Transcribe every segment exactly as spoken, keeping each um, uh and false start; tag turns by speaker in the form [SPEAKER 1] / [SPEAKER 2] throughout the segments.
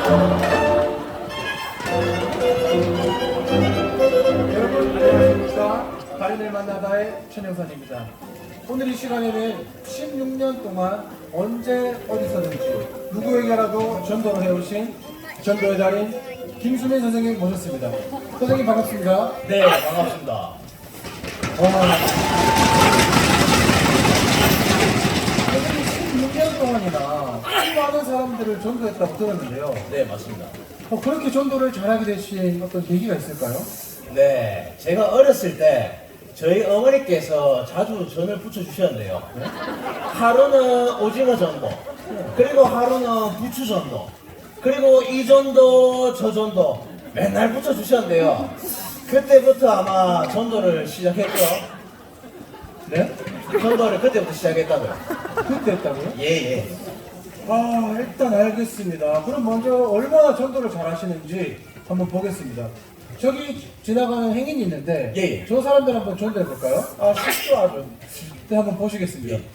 [SPEAKER 1] 여러분 안녕하십니까. 달인을 만나다의 최영선입니다. 오늘 이 시간에는 십육 년 동안 언제 어디서든지 누구에게라도 전도를 해오신 전도의 달인 김수민 선생님 모셨습니다. 선생님 반갑습니다.
[SPEAKER 2] 네, 반갑습니다.
[SPEAKER 1] 와. 선생님 십육 년 동안이나 수많은 사람들을 전도했다고 들었는데요.
[SPEAKER 2] 네, 맞습니다.
[SPEAKER 1] 어, 그렇게 전도를 잘하게 되신 어떤 계기가 있을까요?
[SPEAKER 2] 네, 제가 어렸을 때 저희 어머니께서 자주 전을 부쳐주셨는데요. 하루는 오징어 전도, 그리고 하루는 부추 전도, 그리고 이 전도, 저 전도 맨날 부쳐주셨는데요. 그때부터 아마 전도를 시작했죠.
[SPEAKER 1] 네?
[SPEAKER 2] 전도를 그때부터 시작했다고요.
[SPEAKER 1] 그때 했다고요?
[SPEAKER 2] 예, 예.
[SPEAKER 1] 아, 일단 알겠습니다. 그럼 먼저 얼마나 전도를 잘 하시는지 한번 보겠습니다. 저기 지나가는 행인이 있는데
[SPEAKER 2] 예, 예.
[SPEAKER 1] 저 사람들 한번 전도해 볼까요?
[SPEAKER 2] 아, 쉽죠, 아주.
[SPEAKER 1] 네, 한번 보시겠습니다.
[SPEAKER 2] 예.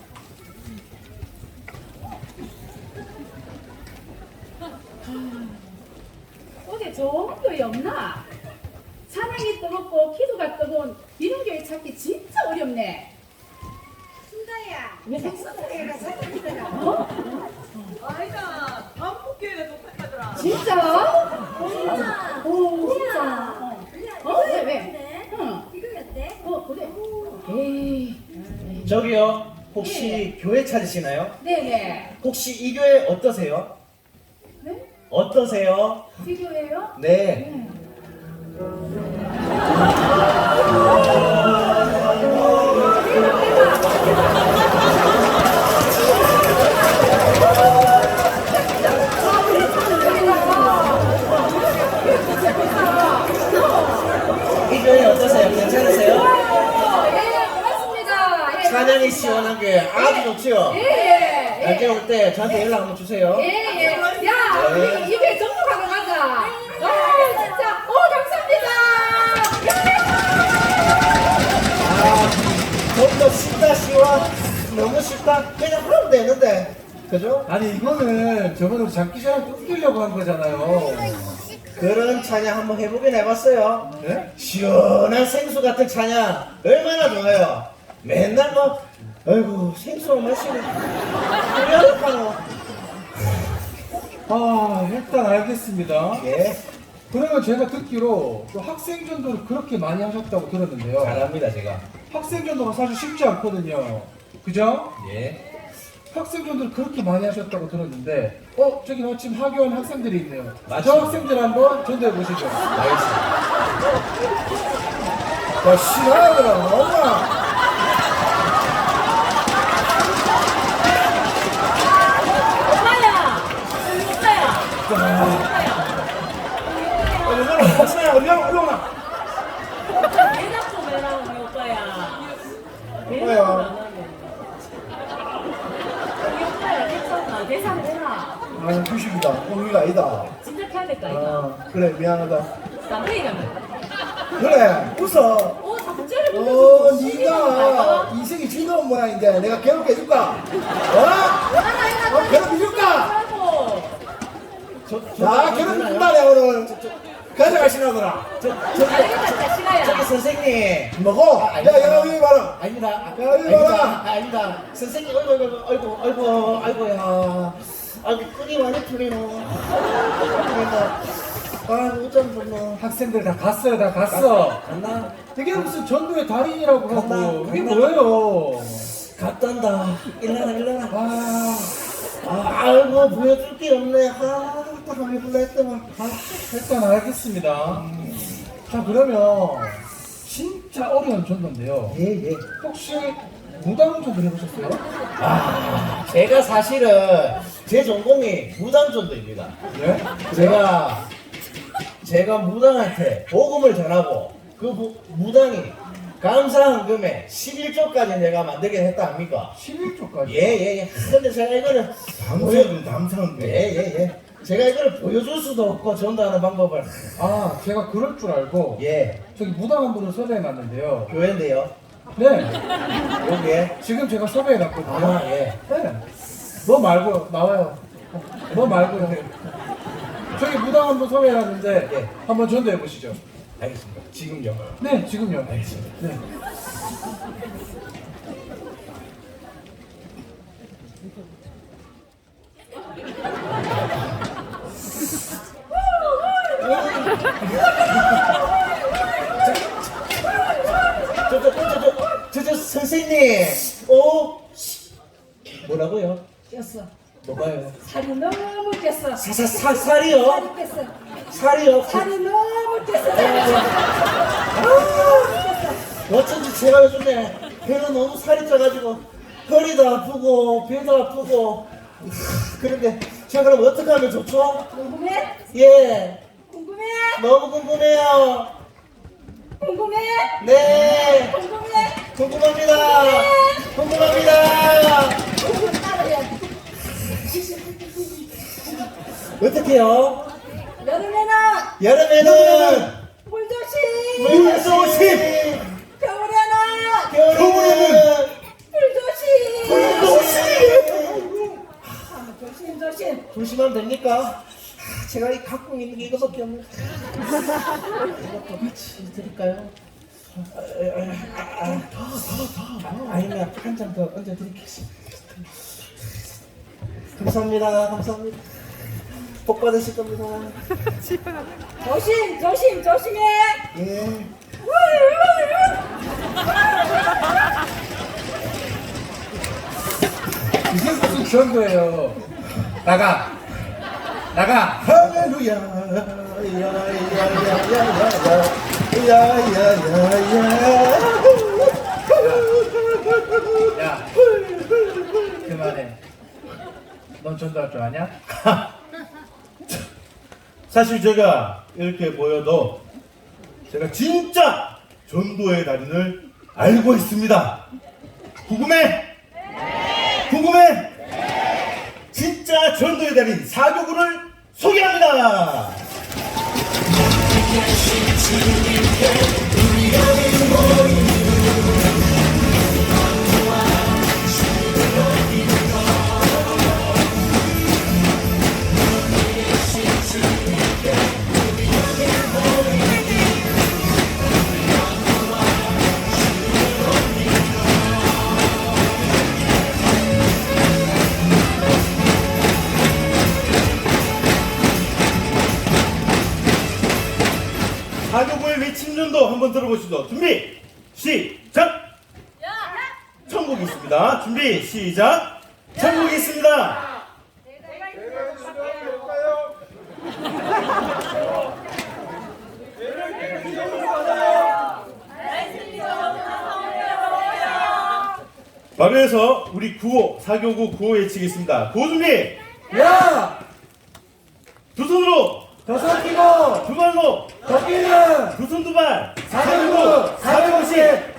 [SPEAKER 3] 어디 좋은 교회 없나? 찬양이 뜨겁고 기도가 뜨거운 이런 교회 찾기 진짜 어렵네.
[SPEAKER 4] 순자야,
[SPEAKER 3] 왜?
[SPEAKER 4] 생수교회가 사장이더라.
[SPEAKER 3] 어?
[SPEAKER 5] 아이가 반복교회가 똑같더라.
[SPEAKER 3] 진짜?
[SPEAKER 4] 진짜.
[SPEAKER 3] 오, 진짜. 어, 왜, 왜? 응.
[SPEAKER 4] 이거였대?
[SPEAKER 3] 어, 그래. 에이.
[SPEAKER 2] 저기요, 혹시 교회 찾으시나요?
[SPEAKER 3] 네네.
[SPEAKER 2] 혹시 이 교회 어떠세요?
[SPEAKER 3] 네?
[SPEAKER 2] 어떠세요?
[SPEAKER 3] 이 교회요?
[SPEAKER 2] 네.
[SPEAKER 3] 네.
[SPEAKER 2] 이 교회 어떠세요? 괜찮으세요?
[SPEAKER 3] 예, 고맙습니다. 예.
[SPEAKER 2] 찬양이 시원한 게 아주 좋지요?
[SPEAKER 3] 예, 예.
[SPEAKER 2] 나중에 올 때 저한테 연락 한번 주세요.
[SPEAKER 3] 예, 예. 야, 우리 입에 전부 가져가자. 와, 진짜. 오, 감사합니다.
[SPEAKER 2] 아, 좀 더 쉽다, 쉬워. 너무 쉽다. 그냥 하면 되는데. 그죠?
[SPEAKER 1] 아니 이거는 저번에 장기 시장 웃기려고 한 거잖아요.
[SPEAKER 2] 그런 찬양 한번 해보긴 해봤어요.
[SPEAKER 1] 네?
[SPEAKER 2] 시원한 생수 같은 찬양 얼마나 좋아요. 맨날 뭐, 아이고, 생수 마시고. 그래야겠다고.
[SPEAKER 1] 아, 일단 알겠습니다.
[SPEAKER 2] 예.
[SPEAKER 1] 그러면 제가 듣기로 또 학생 전도를 그렇게 많이 하셨다고 들었는데요.
[SPEAKER 2] 잘합니다, 제가.
[SPEAKER 1] 학생 전도가 사실 쉽지 않거든요. 그죠?
[SPEAKER 2] 예.
[SPEAKER 1] 학생 전도를 그렇게 많이 하셨다고 들었는데, 어, 저기 마침 하교한 학생들이 있네요.
[SPEAKER 2] 맞습니다.
[SPEAKER 1] 저 학생들 한번 전도해 보시죠.
[SPEAKER 2] 알겠습니다.
[SPEAKER 1] 야, 싫어하더라, 엄마.
[SPEAKER 3] 오빠야. 오빠야.
[SPEAKER 2] 얼마나, 박사야, 얼마나, 얼마나.
[SPEAKER 5] 대답 좀 해라 우리 오빠야.
[SPEAKER 1] 오빠야.
[SPEAKER 5] 안 하네. 우리 오빠야 괜찮나? 계산 되나?
[SPEAKER 1] 아, 휴식이다. 오늘이 아니다.
[SPEAKER 5] 진짜 해야 될까 이거?
[SPEAKER 1] 아, 그래, 미안하다.
[SPEAKER 5] 쌍둥이 가면.
[SPEAKER 1] 그래, 웃어.
[SPEAKER 5] 어 자꾸 째려
[SPEAKER 1] 어, 네가 인생이 즐거운 모양인데 내가 괴롭게 해줄까? 어? 어, 괴롭혀줄까?
[SPEAKER 5] 하고.
[SPEAKER 1] 자, 괴롭혀준다네, 오늘. 가져가시나더라.
[SPEAKER 5] 알겠다 시가야.
[SPEAKER 2] 저기 선생님.
[SPEAKER 1] 먹어. 야, 야, 여기 봐라.
[SPEAKER 2] 아닙니다.
[SPEAKER 1] 야, 이리
[SPEAKER 2] 아닙니다.
[SPEAKER 1] 와라.
[SPEAKER 2] 아닙니다. 선생님, 어이구, 어이구, 어이구, 어이구, 아이고야. 아이고, 끈이 많이 풀리노. 아, 어쩜 좋노.
[SPEAKER 1] 학생들 다 갔어요, 다 갔어.
[SPEAKER 2] 갔나?
[SPEAKER 1] 이게 무슨 전도의 달인이라고
[SPEAKER 2] 갔나?
[SPEAKER 1] 하고. 이게
[SPEAKER 2] 갔나?
[SPEAKER 1] 뭐예요?
[SPEAKER 2] 갔단다. 일어나, 일어나.
[SPEAKER 1] 아,
[SPEAKER 2] 아, 아이고, 보여줄 게 없네. 아, 딱 한번 불러 했더만.
[SPEAKER 1] 아, 일단 알겠습니다. 자, 그러면 진짜 어려운 전도인데요.
[SPEAKER 2] 예, 예.
[SPEAKER 1] 혹시 무당 전도 해보셨어요?
[SPEAKER 2] 아, 제가 사실은 제 전공이 무당전도입니다.
[SPEAKER 1] 네?
[SPEAKER 2] 제가 제가 무당한테 복음을 전하고 그 무, 무당이 감사한 금에 십일 조까지 내가 만들게 했다 합니까?
[SPEAKER 1] 십일 조까지?
[SPEAKER 2] 예예예. 근데 제가 이거를
[SPEAKER 1] 당사는 당사인데.
[SPEAKER 2] 예예예. 제가 이걸 보여줄 수도 없고 전도하는 방법을.
[SPEAKER 1] 아, 제가 그럴 줄 알고
[SPEAKER 2] 예.
[SPEAKER 1] 저기 무당 한 분을 섭외해놨는데요.
[SPEAKER 2] 교회인데요.
[SPEAKER 1] 네,
[SPEAKER 2] 여기에.
[SPEAKER 1] 지금 제가 섭외해놨거든요.
[SPEAKER 2] 아 예.
[SPEAKER 1] 네. 너 말고 나와요. 너 말고요. 저기 무당 한번 소개해놨는데
[SPEAKER 2] 예.
[SPEAKER 1] 한번 전도해 보시죠.
[SPEAKER 2] 알겠습니다. 지금요.
[SPEAKER 1] 네, 지금요.
[SPEAKER 2] 알겠습니다.
[SPEAKER 1] 네.
[SPEAKER 2] 저, 저, 저, 저, 저, 저, 선생님. 어? 뭐라고요?
[SPEAKER 4] 꼈어.
[SPEAKER 2] 뭐가요?
[SPEAKER 4] 살이 너무 꼈어.
[SPEAKER 2] 사, 사, 사, 살이요?
[SPEAKER 4] 살이 꼈어.
[SPEAKER 2] 살이요?
[SPEAKER 4] 살이 너무 꼈어.
[SPEAKER 2] 어쩐지 제가 요즘에 배가 너무 살이 쪄가지고 허리도 아프고 배도 아프고 그런데 제가 그럼 어떻게 하면 좋죠?
[SPEAKER 4] 궁금해?
[SPEAKER 2] 예,
[SPEAKER 4] 궁금해?
[SPEAKER 2] 너무 궁금해요.
[SPEAKER 4] 궁금해?
[SPEAKER 2] 네,
[SPEAKER 4] 궁금해?
[SPEAKER 2] 궁금합니다. 궁금합니다.
[SPEAKER 4] 궁금 따라야 돼.
[SPEAKER 2] 어떻게요?
[SPEAKER 4] 여름에는
[SPEAKER 2] 여름에는
[SPEAKER 4] 물조심.
[SPEAKER 2] 물조심,
[SPEAKER 4] 겨울에는
[SPEAKER 2] 겨울에는
[SPEAKER 4] 물조심.
[SPEAKER 2] 물조심.
[SPEAKER 4] 조심 조심.
[SPEAKER 2] 조심하면 됩니까? 아, 제가 이 갖고 있는 게 이거밖에 없는. 이것도 같이 드릴까요? 아, 아, 아, 아, 더, 더, 더. 아, 아니면 한 잔 더 얹어드리겠습니다. 감사합니다. 감사합니다. 복 받으실 겁니다.
[SPEAKER 4] 조심 조심 조심해.
[SPEAKER 2] 예.
[SPEAKER 1] 이게 무슨 전도예요? 나가! 나가!
[SPEAKER 2] 할렐루야. 야야야야야야야야야야.
[SPEAKER 1] 야, 그만해. 넌 전도할 줄 아냐?
[SPEAKER 6] 사실 제가 이렇게 보여도 제가 진짜 전도의 달인을 알고 있습니다. 궁금해? 궁금해? 진짜 전도의 달인 사교구를 소개합니다. 사교구의 외침 전도 한번 들어보시죠. 준비 시작. 천국이 있습니다. 준비 시작. 천국이 있습니다. 바로해서 우리 구호 사교구 구호 외치겠습니다. 구호 준비.
[SPEAKER 1] 야!
[SPEAKER 6] 두 손으로
[SPEAKER 1] 더 삼키고
[SPEAKER 6] 두 발로
[SPEAKER 1] 더 끼는
[SPEAKER 6] 두 손 두 발
[SPEAKER 1] 사교구 사교구십